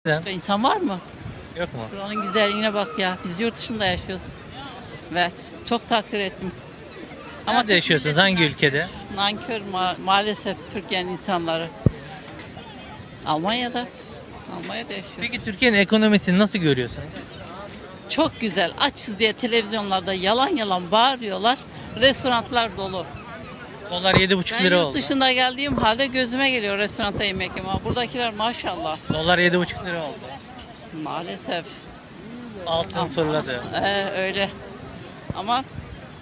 Neden? İnsan var mı? Yok mu? Şuranın güzelliğine bak ya. Biz yurt dışında yaşıyoruz. Ve çok takdir ettim. Nerede Türk yaşıyorsunuz? milleti Hangi ülkede? Nankör maalesef Türkiye'nin insanları. Almanya'da. Almanya'da yaşıyor. Peki Türkiye'nin ekonomisini nasıl görüyorsunuz? Çok güzel. Açız diye televizyonlarda yalan yalan bağırıyorlar. Restoranlar dolu. Dolar 7,5 Ben lira yurt oldu. dışında geldiğim halde gözüme geliyor restoranda yemek yemek. Buradakiler maşallah. Dolar 7,5 lira oldu. Maalesef. Altın fırladı. Öyle. Ama Dolar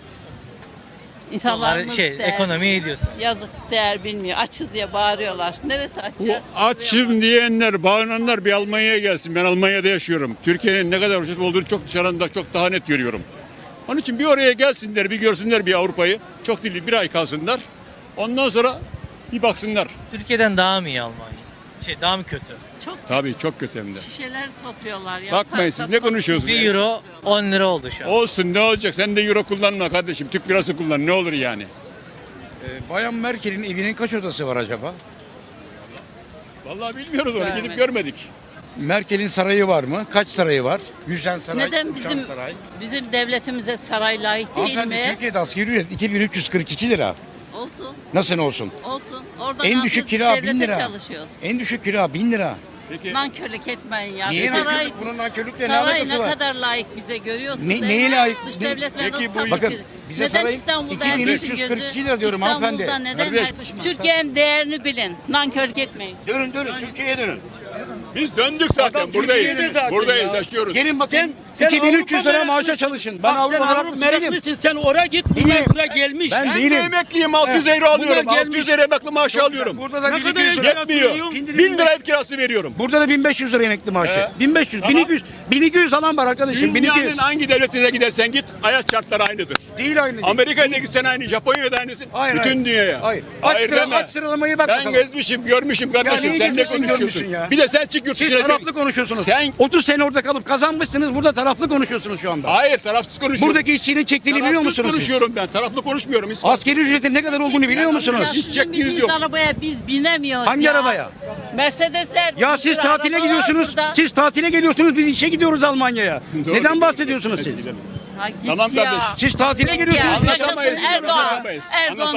insanlarımız değer ekonomi iyi bilmiyor. diyorsun. Yazık, değer bilmiyor. Açız diye bağırıyorlar. Neresi aç Bu ya? açım diyenler, bağıranlar bir Almanya'ya gelsin. Ben Almanya'da yaşıyorum. Türkiye'nin ne kadar ucuz olduğunu çok dışarıdan da çok daha net görüyorum. Onun için bir oraya gelsinler, bir görsünler bir Avrupa'yı. Çok değil, bir ay kalsınlar. Ondan sonra bir baksınlar. Türkiye'den daha mı iyi Almanya? Daha mı kötü? Çok Tabii çok kötü hem de. şişeler topluyorlar ya. Bakmayın, siz ne konuşuyorsunuz? 1 euro 10 lira oldu şu an. Olsun, ne olacak? Sen de euro kullanma kardeşim. Türk lirası kullan, ne olur yani. Bayan Merkel'in evinin kaç odası var acaba? Vallahi bilmiyoruz onu, Görmedim. gidip görmedik. Merkel'in sarayı var mı? Kaç sarayı var? Gülşen Saray, Neden Uçan Saray. bizim devletimize saray layık değil Hanımefendi, mi? Türkiye'de asgari ücret 2342 lira. Olsun, Nasıl olsun? olsun. Orada En ne düşük yapıyoruz? kira Biz 1000 devlete lira. çalışıyoruz. En düşük kira 1000 lira. Peki. Nankörlük etmeyin ya. Niye Saray, nankörlük? Bunun nankörlükle ne saray alakası ne var? kadar layık bize görüyorsunuz. Ne- değil neye mi? layık? Dış Ne- devletler Peki nasıl bu- tabii Bakın, ki? bize Neden saray İstanbul'da herkesin 2342 gözü? lira diyorum hanımefendi. İstanbul'da neden? Kardeş. Türkiye'nin değerini bilin. Nankörlük etmeyin. Dönün Türkiye'ye dönün. Biz döndük zaten, buradayız. Türkiye'de zaten Buradayız, ya. yaşıyoruz. Gelin bakın Sen 2300 Avrupa lira maaşa meraklısın. çalışın. Ben Bak sen Avrupa Avrupa meraklısın değilim. meraklısın. Sen oraya git. Bunlar buraya gelmiş. Ben Ben değilim. de emekliyim, 600 euro alıyorum. Bunlar 600 gelmiş. euro emekli maaşı alıyorum. Burada da Ne kadar 1200 lira. ev kirası Yetmiyor. veriyorsun? 1000 lira ev kirası veriyorum. Burada da 1500 lira emekli maaşı. 1500, Tamam. 1200 alan var arkadaşım. Dünyanın 1200. hangi devletine gidersen git, hayat şartları aynıdır. Değil aynı. Değil. Amerika'ya da gitsen aynı, Japonya'da aynısın. Hayır, Bütün hayır. dünyaya. Hayır. Hayır deme. Aç sıralamayı bak Ben bakalım. gezmişim, görmüşüm kardeşim. neyi Sen ne gezmişsin, konuşuyorsun? görmüşsün ya? Bir de sen çık yurt Siz dışına. taraflı konuşuyorsunuz. Sen- 30 sene orada kalıp kazanmışsınız. Burada taraflı konuşuyorsunuz şu anda. Hayır, tarafsız konuşuyorum. Buradaki işçinin çektiğini biliyor tarafsız musunuz siz? konuşuyorum ben. Taraflı konuşmuyorum. Hiç Askeri ücretin ne kadar olduğunu biliyor musunuz? Hiç Sizin çektiğiniz bindiğiniz yok. arabaya biz binemiyoruz Hangi ya. arabaya? Mercedesler. Ya bir siz sürü tatile araba var gidiyorsunuz. burada. Siz tatile geliyorsunuz. Biz işe gidiyoruz Almanya'ya. Doğru. Neden bahsediyorsunuz Neyse, siz? gidelim. Ha, git Tamam ya. kardeşim. Siz tatile Git geliyorsunuz. ya. Anlatamayız, Yaşasın Erdoğan. anlatamayız. Erdoğan